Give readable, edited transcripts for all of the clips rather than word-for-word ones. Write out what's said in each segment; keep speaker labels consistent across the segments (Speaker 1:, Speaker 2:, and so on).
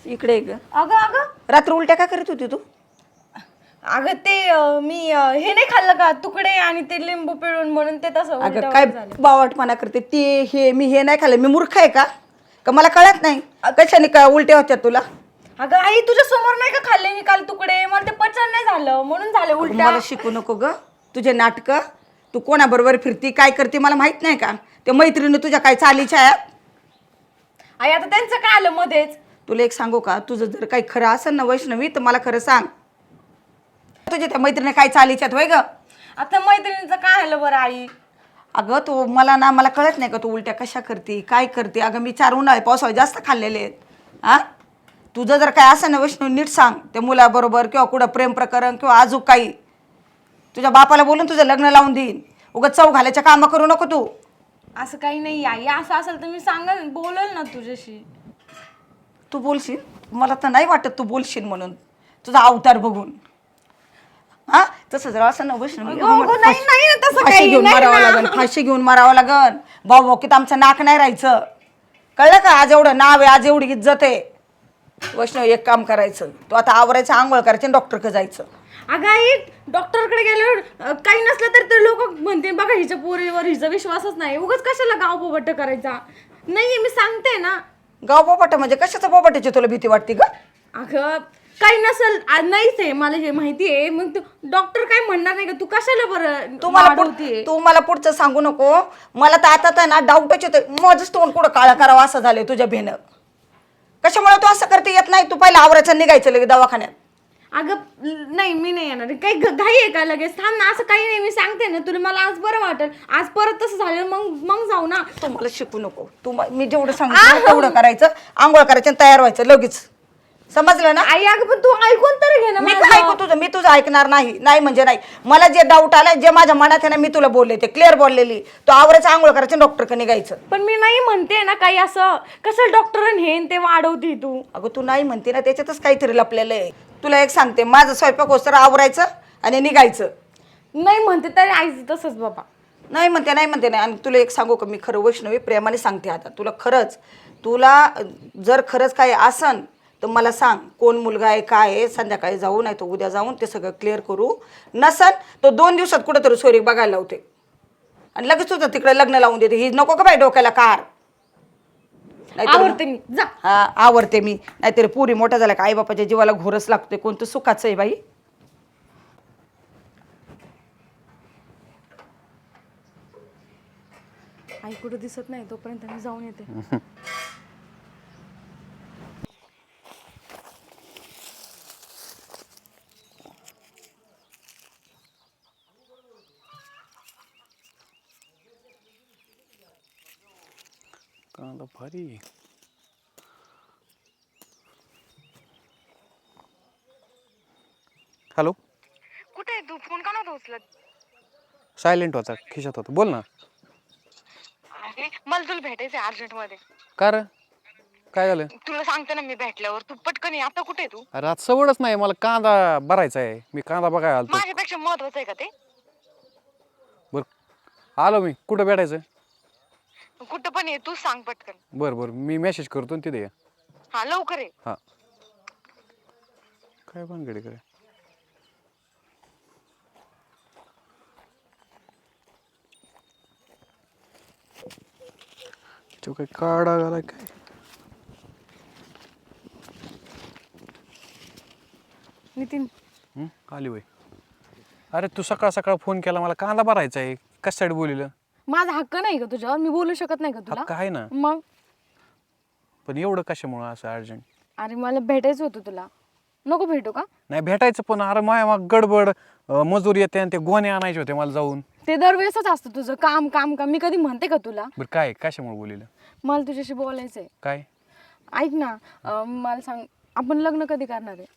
Speaker 1: इकडे ये ग.
Speaker 2: अगं अगं
Speaker 1: रात्र उलट्या का करत होती तू?
Speaker 2: अगं ते मी हे नाही खाल्लं का तुकडे आणि ते लिंबू पिळून म्हणून ते तसं
Speaker 1: अगं
Speaker 2: उलट्या
Speaker 1: काय
Speaker 2: वगैरे झाल्या.
Speaker 1: बावटपणा करते ते हे मी हे नाही खाल्लं. मी मूर्ख आहे का मला कळत नाही कशाने का उलट्या होत्या तुला?
Speaker 2: अगं आई तुझ्या समोर नाही का खाल्ले मी काल तुकडे मला ते पचन नाही झालं म्हणून झाले उलट्या.
Speaker 1: मला शिकू नको ग तुझे नाटक. तू कोणाबरोबर फिरती काय करते मला माहित नाही का? त्या मैत्रिणी तुझ्या काय चालीच्या आहेत?
Speaker 2: आई आता त्यांचं काय आलं मध्येच.
Speaker 1: तुला एक सांगू का? तुझं जर काही खरं असेल ना वैष्णवी तर मला खरं सांग. तुझ्या त्या मैत्रिणी काय चालीच्यात वय ग?
Speaker 2: आता मैत्रिणीचं काय आलं बरं आई?
Speaker 1: अगं तू मला कळत नाही का तू उलट्या कशा करते काय करते? अगं मी 4 उन्हाळे पावसाळे जास्त खाल्लेले आहेत. हा तुझं जर काय असं ना वैष्णवी नीट सांग त्या मुलाबरोबर किंवा कुठं प्रेम प्रकरण किंवा अजून काही. तुझ्या बापाला बोलून तुझं लग्न लावून देईन. उगाच चव घालायच्या कामं करू नको तू.
Speaker 2: असं काही नाही आई असं असेल तर मी सांगेल बोलेल ना तुझ्याशी.
Speaker 1: तू बोलशील? मला तर नाही वाटत तू बोलशील म्हणून तुझा अवतार बघून. हा तसं जर असं ना वैष्णवी
Speaker 2: अगं, नाही ना, तसं
Speaker 1: फाशी
Speaker 2: काही
Speaker 1: घेऊन
Speaker 2: नाही
Speaker 1: मारावं
Speaker 2: ना.
Speaker 1: लागन. फाशी घेऊन मारावं लागन. भाऊ की आमचं नाक नाही राहायचं. कळलं का? आज एवढं नाव आहे आज एवढी इज्जत आहे. वैष्णवी एक काम करायचं तू आता आवरायचं आंघोळ करायचं डॉक्टरकडे जायचं.
Speaker 2: अगं आई डॉक्टरकडे गेल्यावर काही नसलं तर ते लोक म्हणते बघा हिच्या पोरीवर हिचा विश्वासच नाही उगाच कशाला गाव पोपट करायचा. नाही मी सांगते ना.
Speaker 1: गाव पोपट म्हणजे कशाचं पोपटाची तुला भीती वाटते का?
Speaker 2: अगं काही नसल नाहीच आहे मला हे माहिती आहे मग डॉक्टर काय म्हणणार नाही का तू कशाला बरं
Speaker 1: तू मला पुढचं सांगू नको. मला तर आता ना डाऊटच येतोय माझं तोंड कुठं काळा करावं असं झालंय तुझ्या भेनं. कशामुळे तू असं करते येत नाही? तू पहिला आवरायचं निघायचं लगेच दवाखान्यात.
Speaker 2: अगं नाही मी नाही येणार काही घाई आहे का लगेच थांब ना असं काही नाही मी सांगते ना तुला मला आज बरं वाटेल आज परत तसं झालं मग जाऊ ना.
Speaker 1: तू मला शिकू नको. मी जेवढं सांगितलं तेवढं करायचं. आंघोळ करायचं आणि तयार व्हायचं लगेच. समजलं ना?
Speaker 2: आई अगं पण तू ऐकून तरी घे ना.
Speaker 1: मी काय ऐकू तुझं? मी तुझं ऐकणार नाही. नाही म्हणजे नाही. मला जे डाऊट आलाय जे माझ्या मनात आहे ना मी तुला बोलले ते क्लिअर बोललेली. तो आवरायचं आंघोळ करायचं डॉक्टरकडे निघायचं.
Speaker 2: पण मी नाही म्हणते ना काही असं कसं डॉक्टर हे ते वाढवते तू.
Speaker 1: अगं तू नाही म्हणते ना त्याच्यातच काहीतरी लपलेलं आहे. तुला एक सांगते माझं स्वयंपाक होस्तर आवरायचं आणि निघायचं.
Speaker 2: नाही म्हणते तरी आईचं तसंच बाबा.
Speaker 1: नाही म्हणते नाही. आणि तुला एक सांगू का मी खरं वैष्णवी प्रेमाने सांगते आता तुला खरंच. तुला जर खरंच काय असन तर मला सांग कोण मुलगा आहे काय आहे. संध्याकाळी जाऊ नाही तर उद्या जाऊन ते सगळं क्लिअर करू. नसन तो 2 दिवसात कुठंतरी सोयरीक बघायला लावते आणि लगेच तुझं तिकडे लग्न लावून देते. ही नको का बाई डोक्याला कार?
Speaker 2: आवडते मी जा.
Speaker 1: हा आवडते मी. नाहीतरी पुरी मोठा झाला का आई बापाच्या जीवाला घोरच लागते. कोणतं सुखाचं आहे बाई.
Speaker 2: आई कुठं दिसत नाही तोपर्यंत मी जाऊन येते.
Speaker 3: कांदा भारी. हॅलो
Speaker 2: कुठे आहे तू फोन का नव्हता उचलत?
Speaker 3: सायलेंट होता खिशात होता. बोल ना.
Speaker 2: अरे मला तुला भेटायचंय अर्जंट मध्ये.
Speaker 3: का रे काय झालं?
Speaker 2: तुला सांगते ना मी भेटल्यावर तू पटकन ये. आता कुठे आहे तू?
Speaker 3: अरे आज सवडच नाही मला कांदा भरायचा आहे. मी कांदा बघायला आलतो.
Speaker 2: माझ्यापेक्षा महत्वाचं आहे का ते?
Speaker 3: बरं आलो मी. कुठं भेटायचं?
Speaker 2: कुठं पण ये तू सांग पटकन.
Speaker 3: बरं बरं मी मेसेज करतो आणि तिथे ये.
Speaker 2: हा लवकर ये.
Speaker 3: हां काय भानगडी काय? तो काय काढा घालाय काय?
Speaker 2: नितीन
Speaker 3: आली वय. अरे तू सकाळ सकाळ फोन केला मला कांदा भरायचा आहे. कशासाठी बोलिलं?
Speaker 2: माझा हक्क नाही का तुझ्यावर? मी बोलू शकत नाही का तुला?
Speaker 3: हक्क आहे ना.
Speaker 2: मग
Speaker 3: पण एवढं कशामुळं असं अर्जंट?
Speaker 2: अरे मला भेटायचं होतं तुला. नको भेटू का?
Speaker 3: नाही भेटायचं पण अरे माया मग गडबड मजूर येते आणि ते गोणे आणायचे होते मला जाऊन.
Speaker 2: ते दरवेळेसच असतं तुझं काम काम काम. मी कधी म्हणते का तुला?
Speaker 3: बरं काय कशामुळे बोलिलं?
Speaker 2: मला तुझ्याशी बोलायचंय.
Speaker 3: काय?
Speaker 2: ऐक ना मला सांग आपण लग्न कधी करणार आहे?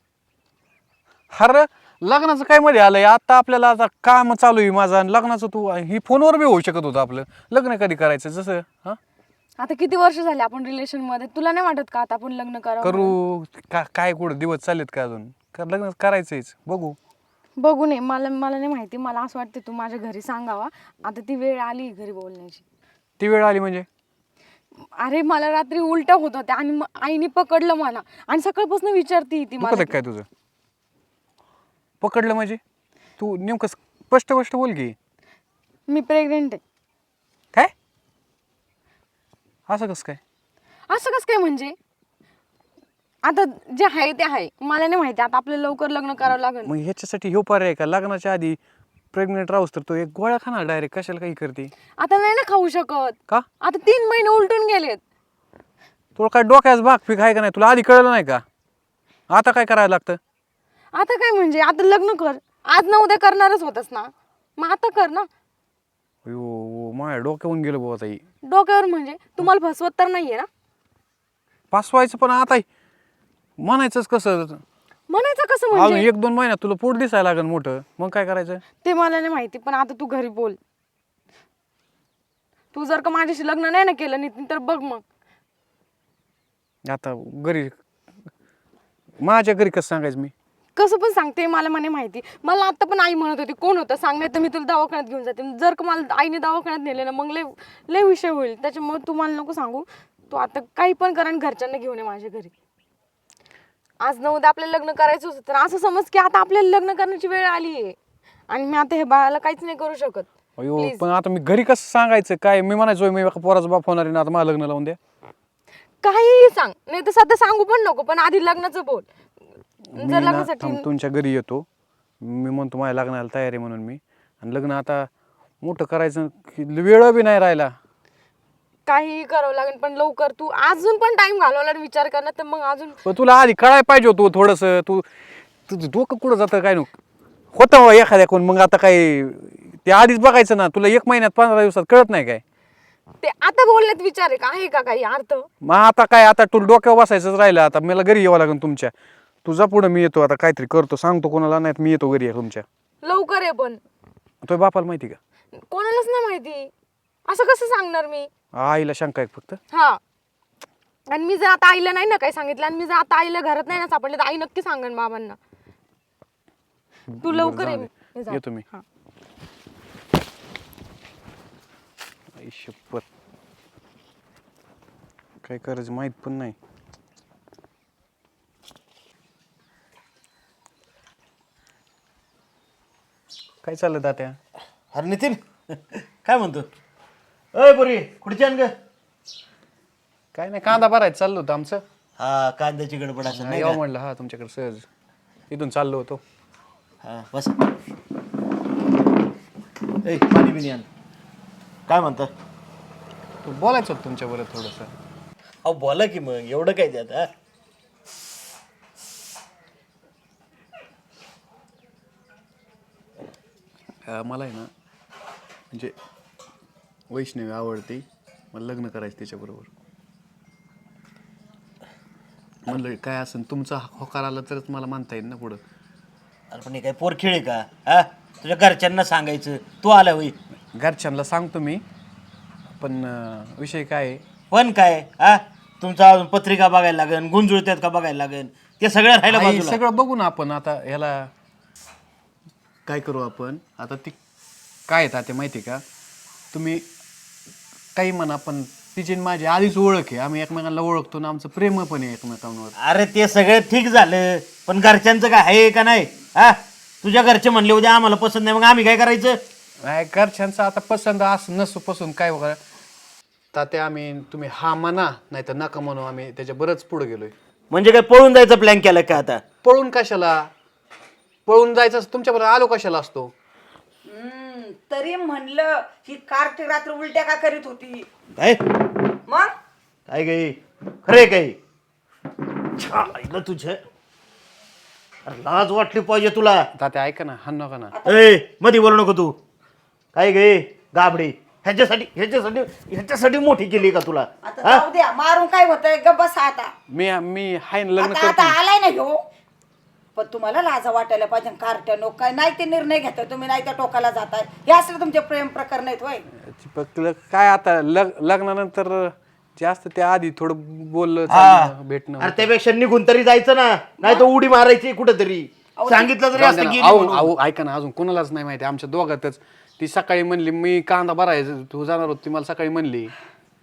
Speaker 3: अरे लग्नाचं काय मध्ये आलंय? आता आपल्याला आता काम चालू आहे माझं आणि लग्नाचं तू ही फोनवर बी होऊ शकत होतं आपलं. लग्न कधी करायचं जसं हां
Speaker 2: आता किती वर्ष झाले आपण रिलेशन मध्ये? तुला नाही वाटत का आता आपण लग्न करावं?
Speaker 3: करू काय कुठं दिवस चाललेत का अजून? लग्न करायचंच बघू.
Speaker 2: बघू नये मला नाही माहिती. मला असं वाटतं तू माझ्या घरी सांगावा. आता ती वेळ आली घरी बोलण्याची.
Speaker 3: ती वेळ आली म्हणजे?
Speaker 2: अरे मला रात्री उलट्या होत होत्या आणि आईने पकडलं मला आणि सकाळपासून विचारते ती मला
Speaker 3: दुखत काय तुझं? पकडलं म्हणजे तू नेमकं स्पष्ट स्पष्ट बोल की.
Speaker 2: मी प्रेग्नेंट आहे.
Speaker 3: काय असं कसं काय?
Speaker 2: असं कसं काय म्हणजे? आता जे आहे ते आहे, मला नाही माहिती. आता आपल्याला लवकर लग्न करावं लागेल.
Speaker 3: मग ह्याच्यासाठी ह्यो पर्याय का? लग्नाच्या आधी प्रेग्नेंट राहूस तर तो एक गोळ्या खाणार डायरेक्ट, कशाला काही करते?
Speaker 2: आता नाही ना खाऊ शकत.
Speaker 3: का?
Speaker 2: आता 3 महिने उलटून गेलेत.
Speaker 3: तुला काय डोक्यास भाग पीक आहे का नाही? तुला आधी कळलं नाही का? आता काय करायला लागतं?
Speaker 2: आता काय म्हणजे? आता लग्न कर. आज ना उद्या करणारच होतस ना, मग आता कर ना.
Speaker 3: अयो माझ्या डोक्यावरून गेलं बाबा ताई.
Speaker 2: डोक्यावर म्हणजे तुम्हाला फसवत तर नाहीये ना?
Speaker 3: पासवायचं पण आता म्हणायचंच कसं?
Speaker 2: म्हणायचं कसं
Speaker 3: अजून
Speaker 2: म्हणजे?
Speaker 3: 1-2 महिन्यात तुला पोट दिसायला लागेल मोठं, मग काय करायचं?
Speaker 2: ते मला नाही माहिती, पण आता तू घरी बोल. तू जर का माझ्याशी लग्न नाही ना केलं नितीन, तर बघ मग.
Speaker 3: आता घरी माझ्या घरी कसं सांगायचं मी?
Speaker 2: कसं पण सांगते, मला म्हणे माहिती. मला आता पण आई म्हणत होती कोण होतं सांग, नाही तर मी तुला दवाखान्यात घेऊन जाते. जर का मला आईने दवाखान्यात नेले ना, मग लय लय विषय होईल. त्याच्यामुळे तू मला नको सांगू. तू आता काही पण कर आणि घरच्यांना घेऊन ये माझ्या घरी. आज न उद्या आपल्याला लग्न करायचं होतं, तर असं समज की आता आपल्याला लग्न करण्याची वेळ आली आहे आणि मी आता हे बाळाला काहीच नाही करू शकत.
Speaker 3: अयो पण आता मी घरी कसं सांगायचं? काय मी म्हणायचो मी एका पोराचा बाप होणार आहे ना, आता मला लग्न लावून द्या.
Speaker 2: काहीही सांग, नाही तर सध्या सांगू पण नको, पण आधी लग्नाचं बोल.
Speaker 3: मी
Speaker 2: जर
Speaker 3: ना
Speaker 2: लग्नासाठी
Speaker 3: तुमच्या घरी येतो, मी म्हणतो माझ्या लग्नाला तयारी म्हणून मी, आणि लग्न आता मोठं करायचं की वेळ बी नाही राहिला.
Speaker 2: काहीही करावं लागेल, पण लवकर. तू अजून पण टाइम घालवला आणि विचार करणार, तर मग अजून
Speaker 3: पण तुला आधी कळायला पाहिजे होतं थोडंसं. तुझं डोकं कुठं जातं काय नको होतं एखाद्या कोण. मग आता काय ते आधीच बघायचं ना. तुला 1 महिन्यात 15 दिवसात कळत नाही काय?
Speaker 2: ते आता बोलण्यात विचार आहे का? आहे का काही अर्थ?
Speaker 3: मग आता काय? आता तुला डोक्यावर बसायचंच राहिलं. आता मला घरी यावं लागेल तुमच्या. तुझा पुढं मी येतो, आता काहीतरी करतो, सांगतो कोणाला नाही, मी येतो घरी तुमच्या.
Speaker 2: लवकर आहे पण.
Speaker 3: तुझ्या बापाला माहिती का?
Speaker 2: कोणालाच नाही माहिती. असं कसं सांगणार मी?
Speaker 3: आईला शंका आहे फक्त.
Speaker 2: हा, आणि मी जर आता आईला नाही ना काही सांगितलं, आणि मी जर आता आईला घरात नाही ना सापडले, तर आई नक्की सांगेन बाबांना. तू लवकर ये. मी जाते.
Speaker 3: येतो मी.
Speaker 2: हा.
Speaker 3: आई शपथ, काय करायचं माहित पण नाही. काय चाललं तात्या?
Speaker 4: अरे नितीन काय म्हणतो? अय पोरी कुठची आण ग?
Speaker 3: काय नाही, कांदा भरायचं चाललं होतं आमचं.
Speaker 4: हा कांद्याची गडबड असेल नाही
Speaker 3: यावं
Speaker 4: का?
Speaker 3: म्हणलं हा तुमच्याकडे सहज, इथून चाललो होतो.
Speaker 4: हा बस. ए पाणी बिनी आण. काय म्हणता?
Speaker 3: तू बोलायचं होतं तुमच्याबरोबर थोडंसं.
Speaker 4: अहो बोला की मग, एवढं काय त्यात?
Speaker 3: मला आहे ना, म्हणजे वैष्णवी आवडते, मला लग्न करायचं त्याच्याबरोबर. म्हणलं काय असं तुमचा होकार आला तरच मला मानता येईल ना पुढं.
Speaker 4: अरे पण हे काय पोर खेळ आहे का? हा तुझ्या घरच्यांना सांगायचं, तू आला होई.
Speaker 3: घरच्यांना सांगतो मी, पण विषय काय आहे,
Speaker 4: पण काय हा तुमचा अजून पत्रिका बघायला लागेल, गुंजुळत्यात का बघायला लागेल, ते सगळं राहिलं
Speaker 3: आई,
Speaker 4: बाजूला.
Speaker 3: सगळं बघू ना आपण. आता ह्याला काय करू आपण आता? ती काय आहे ते माहिती का? तुम्ही काही म्हणा, पण तिची आणि माझी आधीच ओळख आहे, आम्ही एकमेकांना ओळखतो ना, आमचं प्रेम पण आहे एकमेकांवर.
Speaker 4: अरे ते सगळं ठीक झालं, पण घरच्यांचं काय आहे का नाही? हा तुझ्या घरचे म्हणले उद्या आम्हाला पसंत नाही, मग आम्ही काय करायचं?
Speaker 3: नाही, घरच्यांचं आता पसंत असं नसू पसंत काय वगैरे ताते, आम्ही तुम्ही हा म्हणा नाही तर नका म्हणू, आम्ही त्याच्या बरंच पुढे गेलोय.
Speaker 4: म्हणजे काय पळून जायचा प्लॅन केला का आता?
Speaker 3: पळून कशाला? पळून जायचं तुमच्याबरोबर आलो कशाला असतो?
Speaker 1: तरी म्हणलं ही कारती रात्र उलट्या का करीत होती?
Speaker 4: काय
Speaker 1: मग
Speaker 4: काय काही खरे काही छान तुझ्या. अरे लाज वाटली पाहिजे तुला.
Speaker 3: ताते ऐका ना, हा नका ना.
Speaker 4: ए मध्ये बोलू नको तू. काय गे गाबडी, ह्याच्यासाठी मोठी केली का तुला?
Speaker 1: आता जाऊ द्या, मारून काय होतंय? ग बसा आता.
Speaker 3: मी हाय ना, लग्न
Speaker 1: आता आता
Speaker 3: करतो.
Speaker 1: आलाय ना ह्यो, पण तुम्हाला लाजा वाटायला पाहिजे. कारट्या नो काय नाही ते निर्णय घेताय तुम्ही, नाही त्या टोकाला जाताय. हे असले तुमचे प्रेम प्रकरण आहेत होय?
Speaker 3: फक्त काय आता लग्नानंतर जास्त त्या आधी थोडं बोललं
Speaker 4: हा.
Speaker 3: चालणं, भेटणं.
Speaker 4: अरे त्यापेक्षा निघून तरी जायचं ना, नाही तर उडी मारायची कुठेतरी. सांगितलं तरी असतं गेली म्हणून.
Speaker 3: अहो ऐका ना, अजून कोणालाच नाही माहिती आमच्या दोघातच. ती सकाळी म्हणली मी कांदा भरायचं, तू जाणार होती, मला सकाळी म्हणली.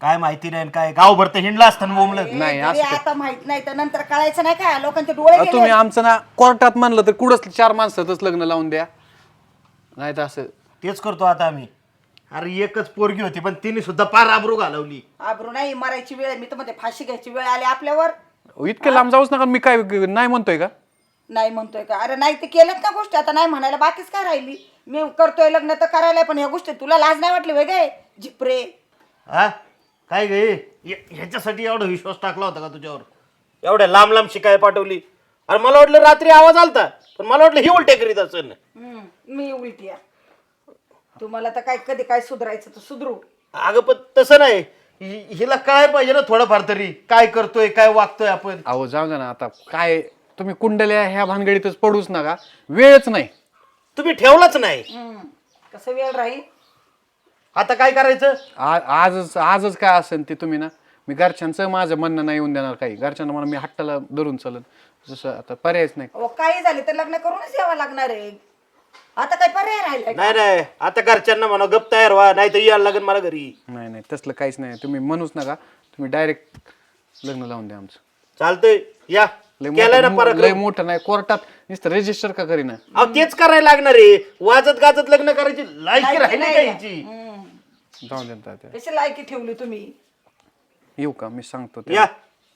Speaker 4: काय माहिती नाही काय गावभर तर हिंडला असताना बोंबलं.
Speaker 3: नाही
Speaker 1: तरी
Speaker 3: असं
Speaker 1: आता माहित नाही तर नंतर कळायचं नाही का लोकांचे डोळे गेले.
Speaker 3: तुम्ही आमचं ना कोर्टात म्हणलं तर कुठंच 4 माणसातच लग्न लावून द्या, नाही तर असं.
Speaker 4: तेच करतो आता आम्ही. अरे एकच पोरगी होती पण तिने सुद्धा पार आबरू घालवली.
Speaker 1: आबरू नाही मरायची वेळ, मी तर म्हणते फाशी घ्यायची वेळ आली आपल्यावर.
Speaker 3: इतके लांब जाऊच नका. मी काय नाही म्हणतोय का?
Speaker 1: नाही म्हणतोय का? अरे नाही ते केलेत ना गोष्टी, आता नाही म्हणायला बाकीच काय राहिली. मी करतोय लग्न तर करायला, पण ह्या गोष्टी तुला लाज नाही वाटली वेगळे झिपरे?
Speaker 4: हा काय गे ह्याच्यासाठी एवढा विश्वास टाकला होता का तुझ्यावर? एवढ्या लांब लांब शिकाय पाठवली. अरे मला वाटलं रात्री आवाज आलता, पण मला वाटलं ही उलटे करीत असेल.
Speaker 1: मी उलटी आहे. तुम्हाला तर काय कधी काय सुधारायचं तर सुधरू.
Speaker 4: अगं पण तसं नाही, हिला काय पाहिजे ना थोडंफार तरी, काय करतोय काय वागतोय आपण.
Speaker 3: अहो जाऊ द्या ना आता. काय तुम्ही कुंडल्या ह्या भानगडीतच पडूच नका, वेळच नाही.
Speaker 4: तुम्ही ठेवलाच नाही.
Speaker 1: कसं वेळ राहील?
Speaker 4: आता काय करायचं?
Speaker 3: आजच काय असेल ते तुम्ही ना, मी घरच्यांचं माझं म्हणणं नाही येऊन देणार काही. घरच्यांना मला मी हट्टाला धरून चालन, जसं आता पर्यायच नाही.
Speaker 1: अहो काही झाले तर लग्न करूनच यावं लागणार आहे. आता काय पर्याय राहिलाय का?
Speaker 4: नाही नाही आता घरच्यांना म्हणा गप तयार व्हा, नाही तर यायला लागेल मला घरी.
Speaker 3: नाही नाही तसलं काहीच नाही. तुम्ही म्हणूच नका, तुम्ही डायरेक्ट लग्न लावून द्या आमचं.
Speaker 4: चालतंय या.
Speaker 3: लय
Speaker 4: केलंय ना
Speaker 3: मोठं- लय
Speaker 4: पराक्रम.
Speaker 3: मोठं नाही, कोर्टात नुसतं रजिस्टर का करीना.
Speaker 4: अहो तेच करायला लागणार आहे. वाजत गाजत लग्न करायची लायकी राहिली का हिची?
Speaker 3: जाऊन देत तात्या.
Speaker 1: कशी लायकी ठेवली तुम्ही?
Speaker 3: येऊ का? मी सांगतो ते.
Speaker 4: या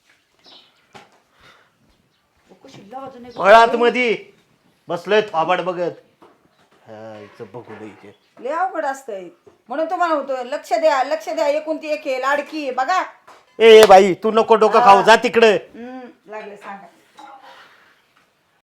Speaker 4: फळात मध्ये बसलोय थोबाड बघत. हा, हिचं बघू दे हिचे.
Speaker 1: लय अवघड असतंय, म्हणून तुम्हाला होतं लक्ष द्या लक्ष द्या. एकूण ती एक आहे, लाडकी आहे बघा.
Speaker 4: ए बाई तू नको डोकं खाऊ, जा तिकडे.
Speaker 1: लागले सांगा.